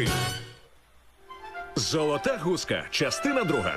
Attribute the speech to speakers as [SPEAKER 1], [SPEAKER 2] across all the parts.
[SPEAKER 1] гори. Золота гуска. Частина 2.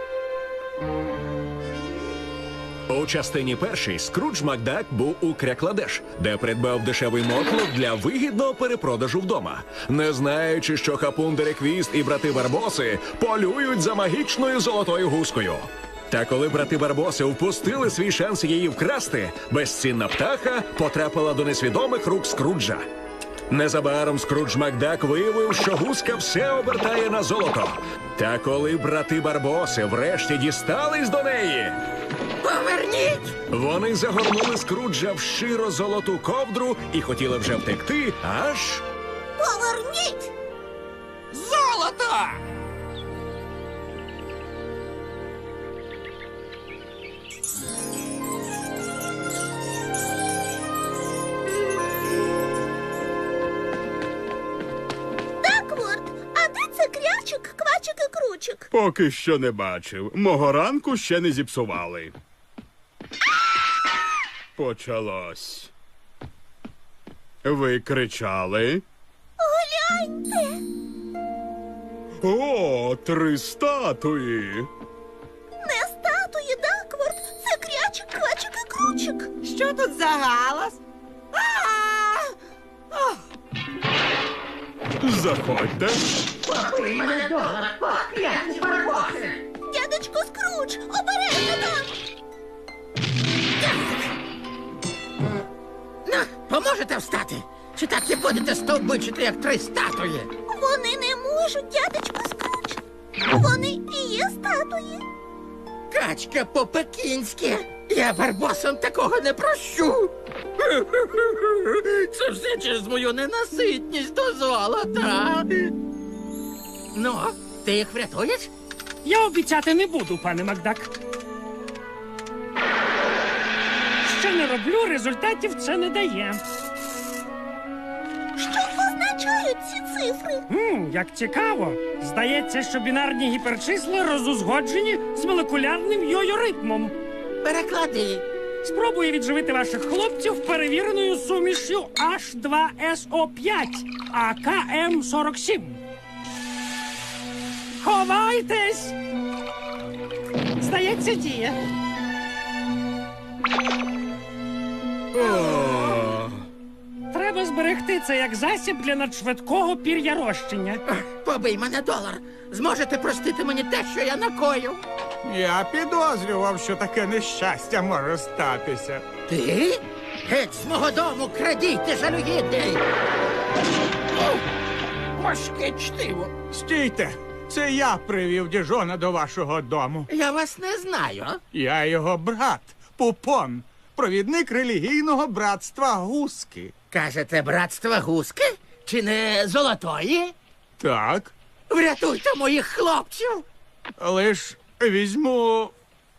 [SPEAKER 1] У частині першій Скрудж Макдак був у Крякладеш, де придбав дешевий мотлох для вигідного перепродажу вдома, не знаючи, що Хапун Дереквіст і брати Барбоси полюють за магічною золотою гускою. Та коли брати Барбоси впустили свій шанс її вкрасти, безцінна птаха потрапила до несвідомих рук Скруджа. Незабаром Скрудж Макдак виявив, що гуска все обертає на золото. Та коли брати Барбоси врешті дістались до неї,
[SPEAKER 2] Поверніть!
[SPEAKER 1] вони загорнули Скруджа в широ золоту ковдру і хотіли вже втекти, аж...
[SPEAKER 2] Поверніть! Золото!
[SPEAKER 3] Дакворд, а де це крячик, квачик і кручик?
[SPEAKER 4] Поки що не бачив. Мого ранку ще не зіпсували. Почалось. Ви кричали?
[SPEAKER 3] Гляньте!
[SPEAKER 4] О, 3 статуї!
[SPEAKER 3] Не статуї, Дакворд, це крячик, квачик і кручик.
[SPEAKER 2] Що тут за галас?
[SPEAKER 4] Заходьте.
[SPEAKER 2] Побий мене долар, покляті барбоси!
[SPEAKER 3] Дядечко Скрудж, обережно там!
[SPEAKER 2] На, поможете встати? Чи так і будете стовбичити, як 3 статуї?
[SPEAKER 3] Вони не можуть, дядечко Скрудж. Вони і є статуї.
[SPEAKER 2] Качка по-пекінськи. Я барбосам такого не прощу. Це все через мою ненаситність до золота. Ну, ти їх врятуєш?
[SPEAKER 5] Я обіцяти не буду, пане Макдак. Що не роблю, результатів це не дає.
[SPEAKER 3] Що означають ці цифри?
[SPEAKER 5] Як цікаво. Здається, що бінарні гіперчисла розузгоджені з молекулярним йо-йо-ритмом.
[SPEAKER 2] Переклади.
[SPEAKER 5] Спробую відживити ваших хлопців перевіреною сумішю H2SO5 АКМ-47. Ховайтесь! Здається, діє. Треба зберегти це як засіб для надшвидкого пір'ярощення.
[SPEAKER 2] Побий мене долар. Зможете простити мені те, що я накоїв?
[SPEAKER 6] Я підозрював, що таке нещастя може статися.
[SPEAKER 2] Ти? Геть з мого дому, крадійте, жалюгідний! Важке чтиво.
[SPEAKER 6] Стійте! Це я привів Діжона до вашого дому.
[SPEAKER 2] Я вас не знаю.
[SPEAKER 6] Я його брат, Пупон, провідник релігійного братства Гуски.
[SPEAKER 2] Кажете, братство гуски? Чи не золотої?
[SPEAKER 6] Так,
[SPEAKER 2] Врятуйте моїх хлопців!
[SPEAKER 6] лиш візьму...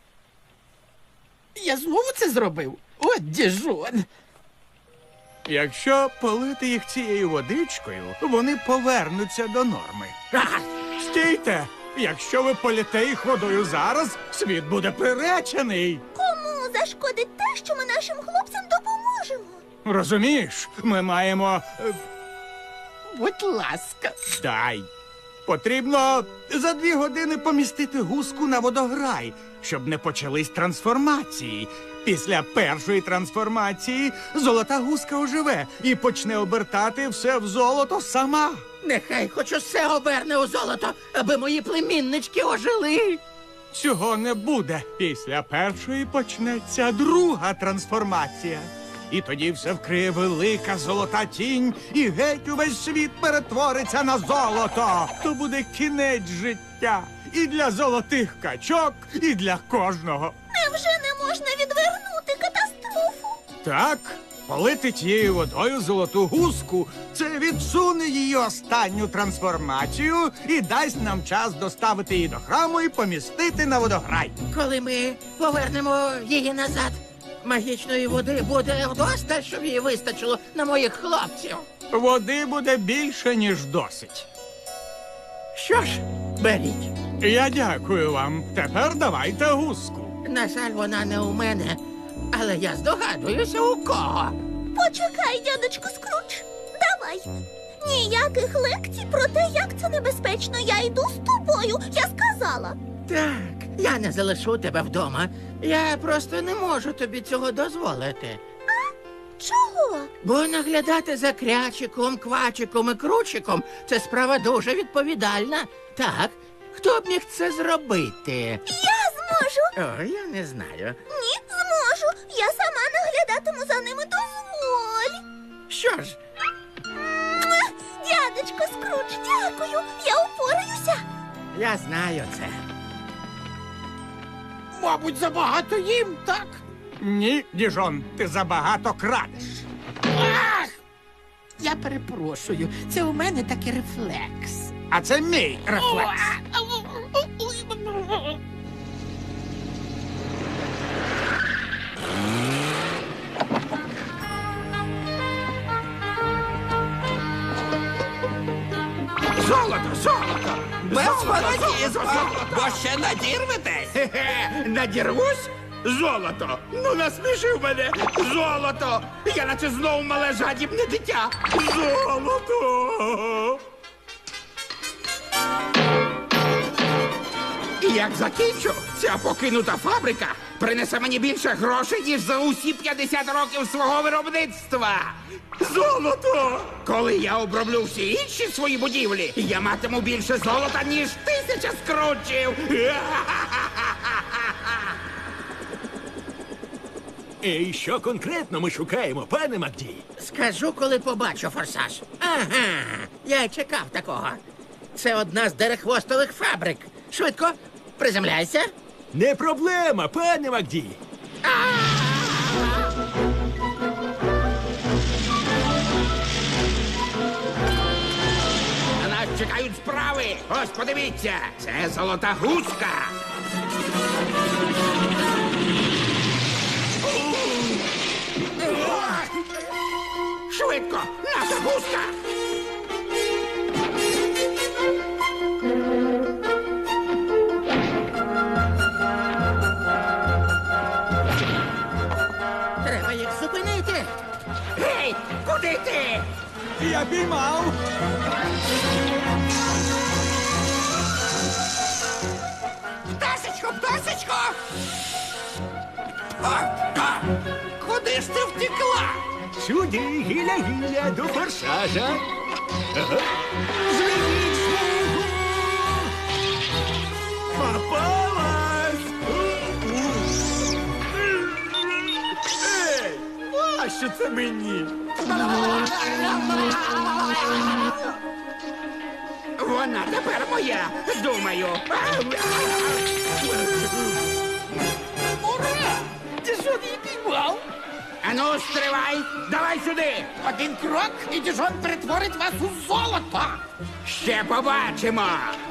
[SPEAKER 2] Я знову це зробив? От діжон!
[SPEAKER 6] Якщо полити їх цією водичкою, вони повернуться до норми.
[SPEAKER 2] Ага.
[SPEAKER 6] Стійте! Якщо ви політе їх водою зараз, світ буде приречений.
[SPEAKER 3] Кому зашкодить те, що ми нашим хлопцям допоможемо?
[SPEAKER 6] Розумієш, ми маємо...
[SPEAKER 2] Будь ласка.
[SPEAKER 6] Дай. Потрібно за 2 години помістити гуску на водограй, щоб не почались трансформації. Після першої трансформації золота гуска оживе і почне обертати все в золото сама.
[SPEAKER 2] Нехай хоч усе оберне у золото, аби мої племіннички ожили.
[SPEAKER 6] Цього не буде. Після першої почнеться друга трансформація. І тоді все вкриє велика золота тінь, і геть увесь світ перетвориться на золото. То буде кінець життя і для золотих качок, і для кожного.
[SPEAKER 3] Невже не можна відвернути катастрофу?
[SPEAKER 6] Так, полити тією водою золоту гуску – це відсуне її останню трансформацію і дасть нам час доставити її до храму і помістити на водограй.
[SPEAKER 2] Коли ми повернемо її назад, магічної води буде вдосталь, щоб її вистачило на моїх хлопців.
[SPEAKER 6] Води буде більше, ніж досить.
[SPEAKER 2] Що ж, беріть.
[SPEAKER 6] Я дякую вам. Тепер давайте гуску.
[SPEAKER 2] На жаль, вона не у мене, але я здогадуюся, у кого.
[SPEAKER 3] Почекай, дядечко Скрудж. Давай. Ніяких лекцій про те, як це небезпечно. Я йду з тобою. Я сказала.
[SPEAKER 2] Так, я не залишу тебе вдома. Я просто не можу тобі цього дозволити.
[SPEAKER 3] Чого?
[SPEAKER 2] Бо наглядати за крячиком, квачиком і кручиком це справа дуже відповідальна. Так, хто б міг це зробити?
[SPEAKER 3] Я зможу.
[SPEAKER 2] О, я не знаю.
[SPEAKER 3] Ні, зможу. Я сама наглядатиму за ними. Дозволь.
[SPEAKER 2] Що ж,
[SPEAKER 3] Дядечко Скрудж, дякую. Я упораюся.
[SPEAKER 2] я знаю це.
[SPEAKER 7] Мабуть, забагато їм, так?
[SPEAKER 6] Ні, Діжон, ти забагато крадеш.
[SPEAKER 7] Ах! Я перепрошую, це у мене такий рефлекс.
[SPEAKER 6] А це мій рефлекс.
[SPEAKER 7] Золото, золото! Без фанатізму, бо ще надірветесь.
[SPEAKER 4] Хе-хе, надірвусь? Золото! Ну насмішив мене! Золото! Я наче знову мале жадібне дитя! Золото!
[SPEAKER 7] І як закінчу, ця покинута фабрика принесе мені більше грошей, ніж за усі 50 років свого виробництва.
[SPEAKER 4] Золото!
[SPEAKER 7] Коли я оброблю всі інші свої будівлі, я матиму більше золота, ніж 1000 скрутчів.
[SPEAKER 1] І що конкретно ми шукаємо, пане Макді?
[SPEAKER 2] Скажу, коли побачу форсаж. Ага, я й чекав такого. Це одна з дерехвостових фабрик. Швидко, приземляйся.
[SPEAKER 1] Не проблема, пане Макді.
[SPEAKER 7] На нас чекають справи. Ось подивіться, це золота гуска. Швидко, наша гуска.
[SPEAKER 2] Треба їх зупинити.
[SPEAKER 7] Гей, куди ти?
[SPEAKER 6] Я піймав.
[SPEAKER 7] Пташечко, пташечко! Куди ж ти втекла?
[SPEAKER 1] Сюди, гіля-гіля, до форсажа. Ага. Звільніть смугу! Попалась! Ей! А що це мені?
[SPEAKER 7] Вона тепер моя, думаю.
[SPEAKER 2] Ура! Ти що її піймав?
[SPEAKER 7] Ану, стривай! Давай сюди!
[SPEAKER 2] Один крок, і Діжон перетворить вас у золото.
[SPEAKER 7] Ще побачимо!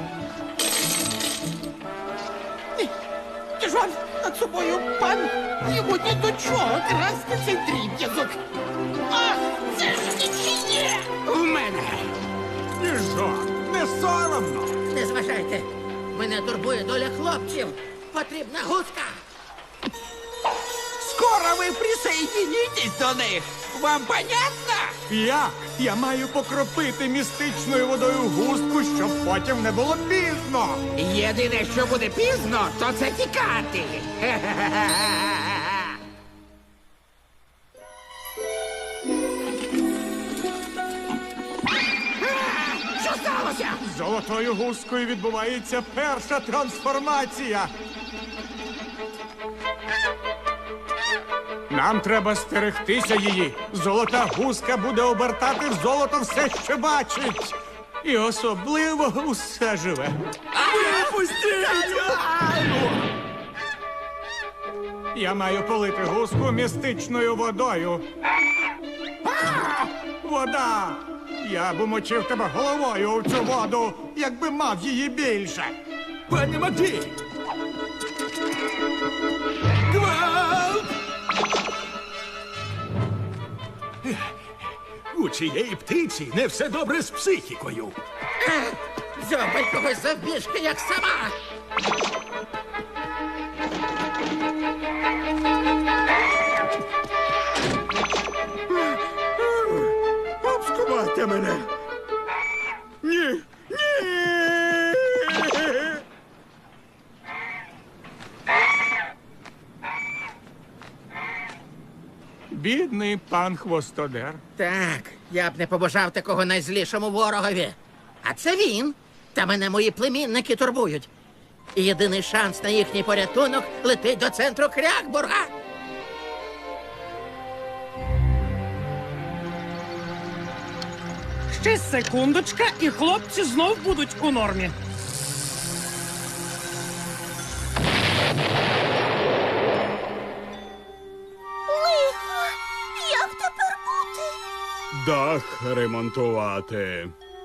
[SPEAKER 2] Діжон, над собою пан. Йому ні до чого красти цей дріб'язок. Ах, це ж нічиє!
[SPEAKER 7] В мене!
[SPEAKER 6] Діжон, не соромно.
[SPEAKER 2] Не зважайте. Мене турбує доля хлопців. Потрібна гуска.
[SPEAKER 7] Скоро ви присоединитесь до них! Вам понятно?
[SPEAKER 6] Я маю покропити містичною водою густку, щоб потім не було пізно.
[SPEAKER 7] Єдине, що буде пізно, то це тікати. Що сталося?
[SPEAKER 6] З золотою гускою відбувається перша трансформація. Нам треба стерегтися її. Золота гуска буде обертати в золото все, що бачить. І особливо усе живе. Я маю полити гуску містичною водою. Вода! Я б умочив тебе головою у цю воду, якби мав її більше.
[SPEAKER 1] Пане Макді! Гвалт! У цієї птиці не все добре з психікою.
[SPEAKER 2] Дзьобай когось завбіжки, як сама.
[SPEAKER 4] Обскувайте мене!
[SPEAKER 6] Бідний пан Хвостодер.
[SPEAKER 2] Так, я б не побажав такого найзлішому ворогові. А це він. Та мене мої племінники турбують. І єдиний шанс на їхній порятунок летить до центру Крякбурга.
[SPEAKER 5] Ще секундочка, і хлопці знов будуть у нормі.
[SPEAKER 3] Лихо! Як тепер бути?
[SPEAKER 4] Дах ремонтувати.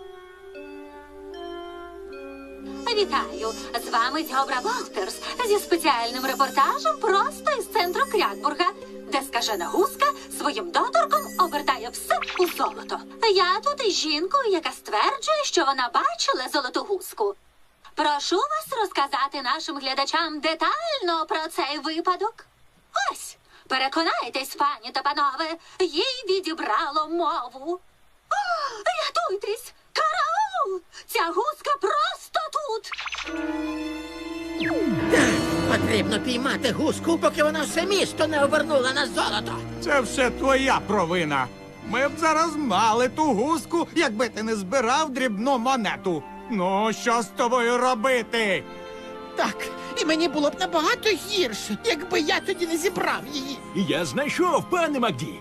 [SPEAKER 8] Вітаю! З вами Дзьобра Волтерс зі спеціальним репортажем просто із центру Крякбурга, де скажена гуска своїм доторком обертає все у золото. Я тут із жінкою, яка стверджує, що вона бачила золоту гуску. Прошу вас розказати нашим глядачам детально про цей випадок. Ось, переконайтесь, пані та панове, їй відібрало мову. О, рятуйтесь! Караул! Ця гуска просто тут!
[SPEAKER 2] Потрібно піймати гуску, поки вона все місто не обернула на золото.
[SPEAKER 6] Це все твоя провина. Ми б зараз мали ту гуску, якби ти не збирав дрібну монету. Ну, що з тобою робити?
[SPEAKER 9] Так, і мені було б набагато гірше, якби я тоді не зібрав її.
[SPEAKER 1] Я знайшов, пане Макді.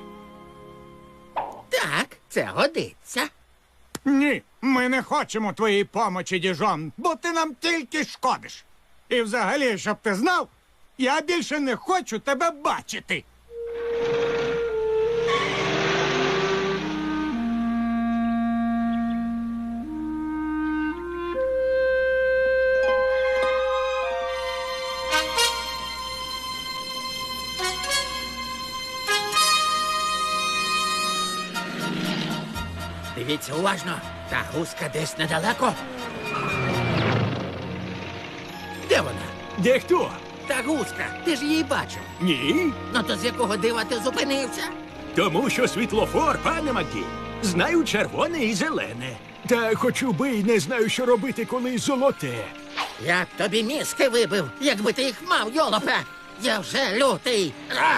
[SPEAKER 2] Так, це годиться.
[SPEAKER 6] Ні, ми не хочемо твоєї помочі, діжон, бо ти нам тільки шкодиш. І взагалі, щоб ти знав, я більше не хочу тебе бачити.
[SPEAKER 2] Дивіться уважно, та гуска десь недалеко. Де вона?
[SPEAKER 1] Де хто?
[SPEAKER 2] Та гуска, ти ж її бачив.
[SPEAKER 1] Ні.
[SPEAKER 2] Ну то з якого дива ти зупинився?
[SPEAKER 1] Тому що світлофор, пане Макді. Знаю червоне і зелене. Та хочу би й не знаю, що робити, коли золоте.
[SPEAKER 2] Я б тобі мізки вибив, якби ти їх мав, йолопе. Я вже лютий. А!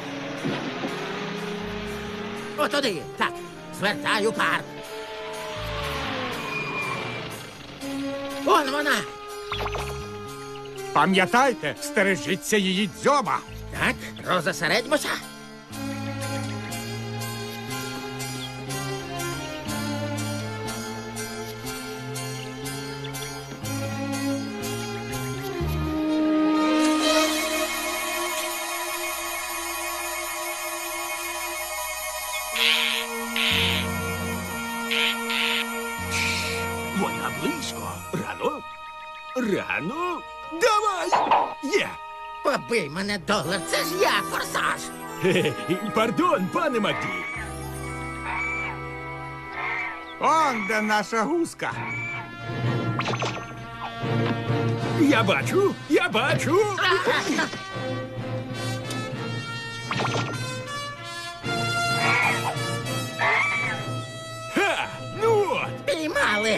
[SPEAKER 2] Отуди, так, звертаю парк. Он вона.
[SPEAKER 6] Пам'ятайте, стережіться її дзьоба.
[SPEAKER 2] Так, розосередьмося.
[SPEAKER 1] Вона близько. Рано? Рано? Давай! Є!
[SPEAKER 2] Побий мене, долар, це ж я, форсаж.
[SPEAKER 1] Хе-хе. Пардон, пане Макді.
[SPEAKER 6] Он де наша гуска.
[SPEAKER 1] Я бачу, я бачу. Ха! Ну от!
[SPEAKER 2] Піймали.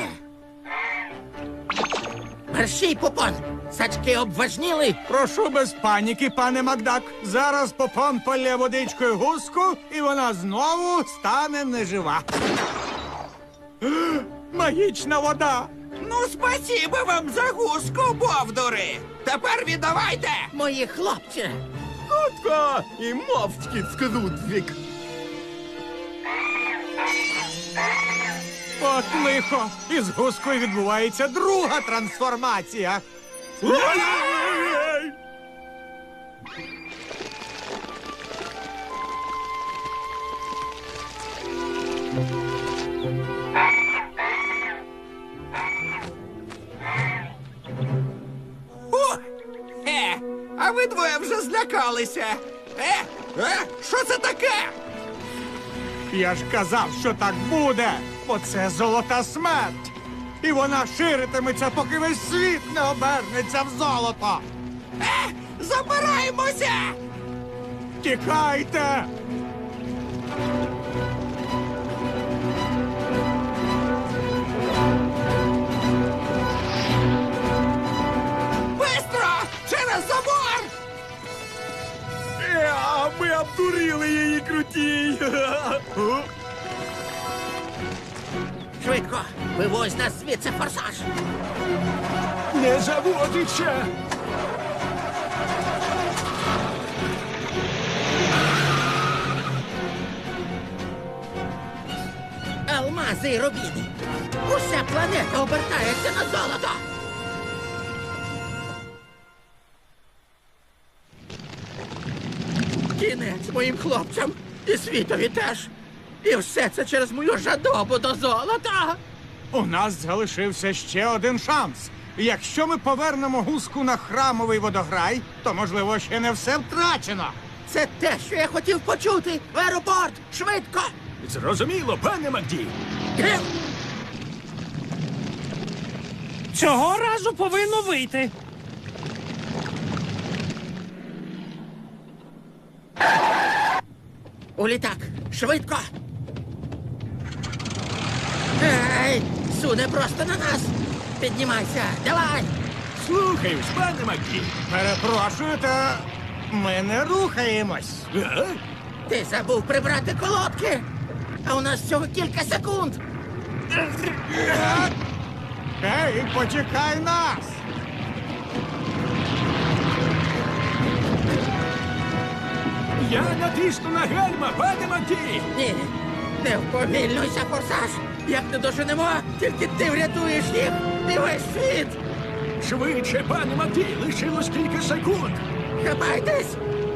[SPEAKER 2] Мерщій, Попон. Сачки обважніли.
[SPEAKER 6] Прошу без паніки, пане Макдак. Зараз Попон полє водичкою гуску, і вона знову стане нежива. Магічна вода.
[SPEAKER 7] Ну, спасибо вам за гуску, бовдури! Тепер віддавайте!
[SPEAKER 2] Мої хлопці.
[SPEAKER 4] Хутко і мовчки скрудвік.
[SPEAKER 6] От лихо. Із гускою відбувається друга трансформація.
[SPEAKER 1] Ой-ой-ой!
[SPEAKER 7] А ви двоє вже злякалися. Що це таке?
[SPEAKER 6] Я ж казав, що так буде, бо це золота смерть. І вона ширитиметься, поки весь світ не обернеться в золото.
[SPEAKER 7] Забираємося!
[SPEAKER 6] Тікайте!
[SPEAKER 7] Бистро! Через забор!
[SPEAKER 1] А ми Ви обдурили її, крутій!
[SPEAKER 2] Швидко, вивозь нас звідси, форсаж.
[SPEAKER 1] Не заводиться!
[SPEAKER 2] Алмази і рубіни. Уся планета обертається на золото. Кінець моїм хлопцям і світові теж. І все це через мою жадобу до золота.
[SPEAKER 6] У нас залишився ще один шанс. Якщо ми повернемо гуску на храмовий водограй, то, можливо, ще не все втрачено.
[SPEAKER 2] Це те, що я хотів почути. В аеропорт! Швидко!
[SPEAKER 1] Зрозуміло, пане Макді.
[SPEAKER 2] Гм!
[SPEAKER 5] Цього разу повинно вийти.
[SPEAKER 2] У літак! Швидко! Ей! Суне просто на нас! Піднімайся! Давай!
[SPEAKER 1] Слухаюсь, пане Макді.
[SPEAKER 6] Перепрошую, та ми не рухаємось.
[SPEAKER 2] Ти забув прибрати колодки! А у нас всього кілька секунд!
[SPEAKER 6] Ей, почекай нас!
[SPEAKER 1] Я натисну на гальма, пане Макді.
[SPEAKER 2] Ні! Не вповільнуйся, форсаж! Як не доженемо, тільки ти врятуєш їх і весь світ!
[SPEAKER 1] Швидше, пане Макді, лишилось кілька секунд.
[SPEAKER 2] Хапайтесь!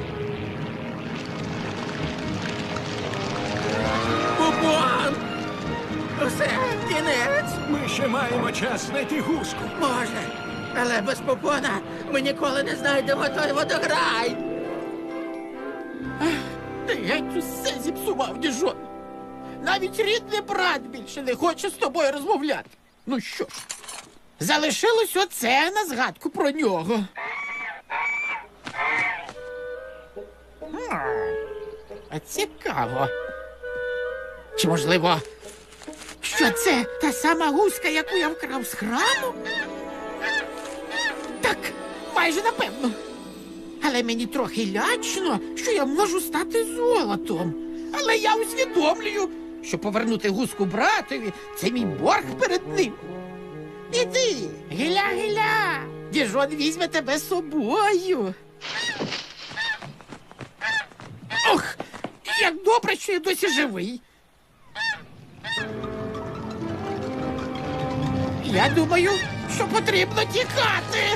[SPEAKER 2] Бубон! Усе, кінець!
[SPEAKER 1] Ми ще маємо час знайти гуску.
[SPEAKER 2] Може, але без попона ми ніколи не знайдемо той водограй!
[SPEAKER 9] Ти геть усе зіпсував, діжон. Навіть рідний брат більше не хоче з тобою розмовляти. Ну що ж, залишилось оце на згадку про нього. А цікаво. Чи можливо, що це та сама гуска, яку я вкрав з храму? Так, майже напевно. Але мені трохи лячно, що я можу стати золотом. Але я усвідомлюю, що повернути гуску братові – це мій борг перед ним. Іди, гиля-гиля, діжон візьме тебе з собою. Ох, як добре, що я досі живий. Я думаю, що потрібно тікати.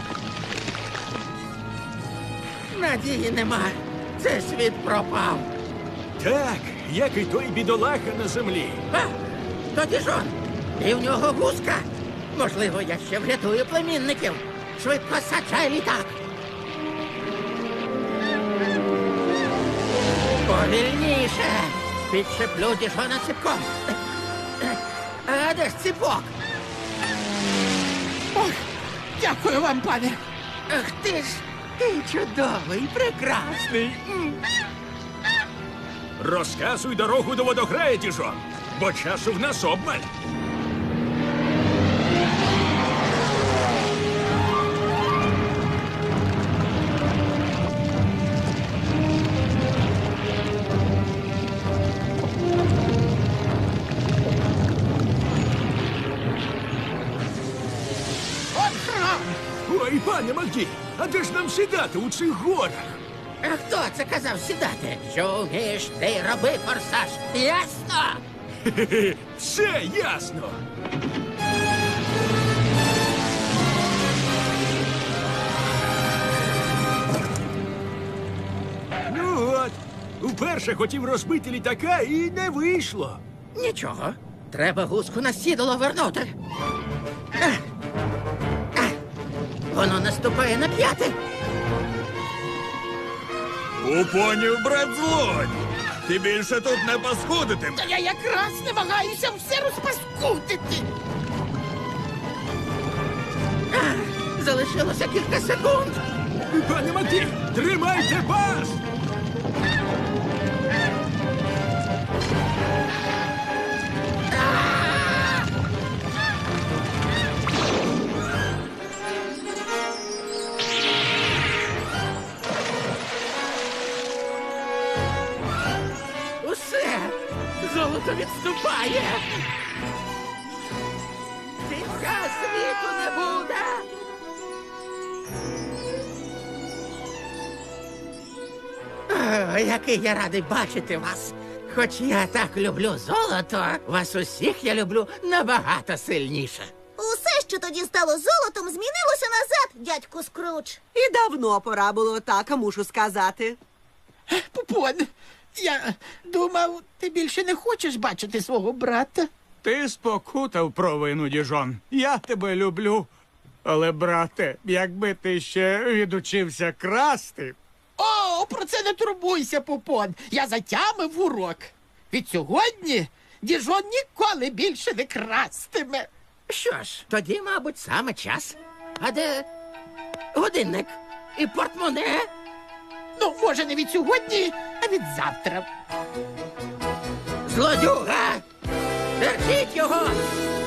[SPEAKER 2] Надії нема. Цей світ пропав.
[SPEAKER 1] Так, як і той бідолаха на землі.
[SPEAKER 2] А, тоді жон. І в нього гуска. Можливо, я ще врятую племінників. Швидко саджай літак. Повільніше. Підшиплю діжона ціпком. А де ж ціпок?
[SPEAKER 9] Ох, дякую вам, пане.
[SPEAKER 2] Ах ти ж, ти чудовий, прекрасний.
[SPEAKER 1] Розказуй дорогу до водограю, діжон, бо часу в нас обмаль.
[SPEAKER 9] От храм.
[SPEAKER 1] Ой, пане Макді, а де ж нам сідати у цих горах?
[SPEAKER 2] А хто це казав сідати? Що вмієш, ти й роби, форсаж. Ясно?
[SPEAKER 1] Хе-хе, все ясно. Ну от, вперше хотів розбити літака і не вийшло.
[SPEAKER 2] Нічого. Треба гуску на сідало вернути. Ех. Ех. Воно наступає на п'яти.
[SPEAKER 1] Упонів брат злодь. Ти більше тут не паскудитимеш.
[SPEAKER 9] Та я якраз намагаюся все розпаскудити.
[SPEAKER 2] Залишилося кілька секунд.
[SPEAKER 1] Пане Макді, тримайте пас!
[SPEAKER 2] Золото відступає. Кінця світу не буде. О, який я радий бачити вас. Хоч я так люблю золото, вас усіх я люблю набагато сильніше.
[SPEAKER 3] Усе, що тоді стало золотом, змінилося назад, дядьку Скрудж.
[SPEAKER 10] І давно пора було так, мушу сказати.
[SPEAKER 9] Пупон, я думав, ти більше не хочеш бачити свого брата.
[SPEAKER 6] Ти спокутав провину, діжон. Я тебе люблю. Але, брате, якби ти ще відучився красти.
[SPEAKER 9] О, про це не турбуйся, Пупон. Я затямив урок. Від сьогодні Діжон ніколи більше не крастиме.
[SPEAKER 2] Що ж, тоді, мабуть, саме час. А де годинник і портмоне?
[SPEAKER 9] Ну, може, не від сьогодні, а від завтра.
[SPEAKER 2] Злодюга! Держіть його!